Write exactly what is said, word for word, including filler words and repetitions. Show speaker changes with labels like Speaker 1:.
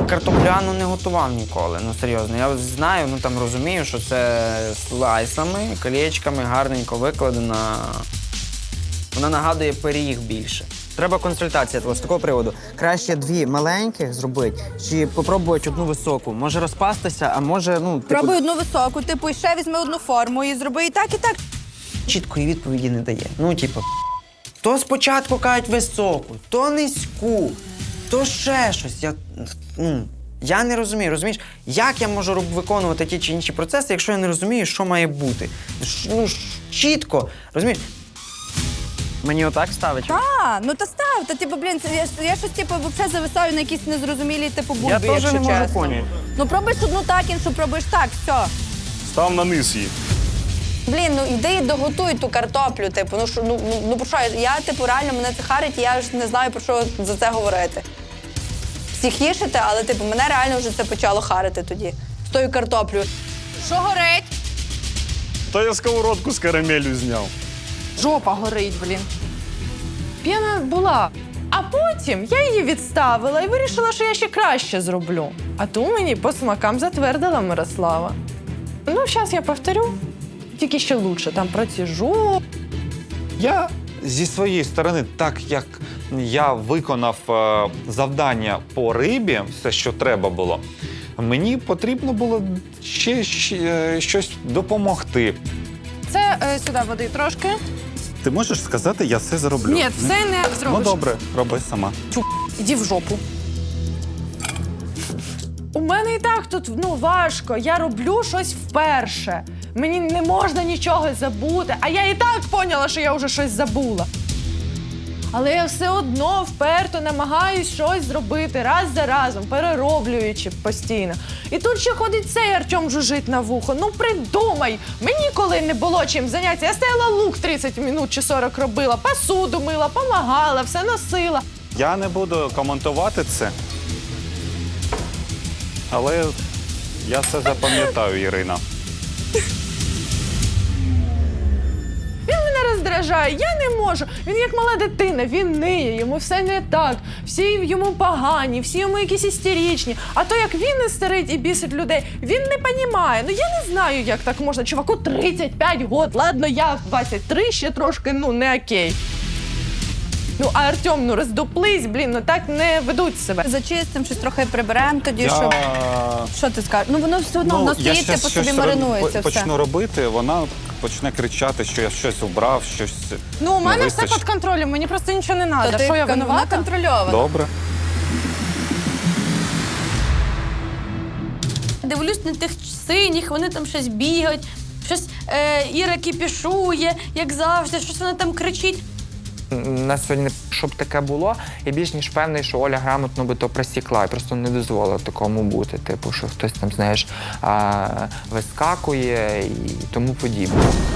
Speaker 1: картопляну не готував ніколи, ну серйозно. Я знаю, ну там розумію, що це слайсами, колечками, гарненько викладена. Вона нагадує пиріг більше. Треба консультація з такого приводу. Краще дві маленьких зробити, чи попробувати одну високу. Може розпастися, а може, ну... Типу...
Speaker 2: Пробуй одну високу, типу, і ще візьми одну форму і зроби і так, і так.
Speaker 1: Чіткої відповіді не дає. Ну, типу, то спочатку кажуть високу, то низьку, то ще щось. Я, ну, я не розумію, розумієш? Як я можу виконувати ті чи інші процеси, якщо я не розумію, що має бути? Ну, чітко, розумієш? Мені отак ставить?
Speaker 2: Так, ну та став, та типу, блін, це, я, я щось типу взагалі зависаю на якісь незрозумілі типу букви,
Speaker 1: Я теж
Speaker 2: якщо
Speaker 1: не можу
Speaker 2: чесно.
Speaker 1: поняти.
Speaker 2: Ну пробуєш одну так, іншу пробуєш так, все.
Speaker 3: Став на низ її.
Speaker 2: Блін, ну йди і доготуй ту картоплю, типу, ну що, ну, ну, ну про що, я, типу, реально мене це харить, і я ж не знаю, про що за це говорити. Всіх їшите, але, типу, мене реально вже це почало харити тоді, з тою картоплею. Що горить?
Speaker 3: Та я сковородку з карамелю зняв.
Speaker 4: Жопа горить, блін. П'яна була. А потім я її відставила і вирішила, що я ще краще зроблю. А ту мені по смакам затвердила Мирослава. Ну, зараз я повторю, тільки ще лучше. Там проціжу.
Speaker 5: Я зі своєї сторони, так як я виконав е, завдання по рибі, все, що треба було, мені потрібно було ще, ще е, щось допомогти.
Speaker 4: Це е, сюди води трошки.
Speaker 6: Ти можеш сказати, я все зроблю?
Speaker 4: Ні, все не
Speaker 6: Ну
Speaker 4: зробиш.
Speaker 6: добре, роби сама.
Speaker 4: Тю, іди в жопу. У мене і так тут ну, важко. Я роблю щось вперше. Мені не можна нічого забути. А я і так поняла, що я вже щось забула. Але я все одно вперто намагаюсь щось зробити раз за разом, перероблюючи постійно. І тут ще ходить цей Артем жужить на вухо. Ну придумай! Мені коли не було чим зайнятися, я стояла лук тридцять минут чи сорок робила, посуду мила, помагала, все носила.
Speaker 6: Я не буду коментувати це. Але я все запам'ятаю, Ірина.
Speaker 4: Він мене роздражає, я не можу. Він як мала дитина, він ниє, йому все не так. Всі йому погані, всі йому якісь істеричні. А то як він істерить і бісить людей, він не понімає. Ну я не знаю, як так можна. Чуваку тридцять п'ять років, ладно, я в двадцять три ще трошки, ну, не окей. Ну, а Артем, ну роздуплись, блін, ну так не ведуть себе.
Speaker 2: Зачистимо, щось трохи приберемо тоді,
Speaker 6: Я...
Speaker 2: щоб... Що ти скажеш? Ну воно все одно, воно
Speaker 6: я
Speaker 2: стоїть,
Speaker 6: щас
Speaker 2: типу собі
Speaker 6: щось
Speaker 2: маринується
Speaker 6: роб-
Speaker 2: все.
Speaker 6: почну робити, вона почне кричати, що я щось убрав, щось
Speaker 4: Ну, у
Speaker 6: не
Speaker 4: мене все
Speaker 6: вистачить.
Speaker 4: під контролем, мені просто нічого не
Speaker 2: То
Speaker 4: треба.
Speaker 2: ти,
Speaker 4: Що я
Speaker 2: вона
Speaker 4: винувата?
Speaker 2: контрольована.
Speaker 6: Добре.
Speaker 7: Дивлюсь на тих синіх, вони там щось бігають, щось е, Іра кіпішує, як завжди, щось вона там кричить.
Speaker 8: У нас сьогодні, щоб таке було, я більш ніж певний, що Оля грамотно би то просікла і просто не дозволила такому бути. Типу, що хтось там, знаєш, вискакує і тому подібне.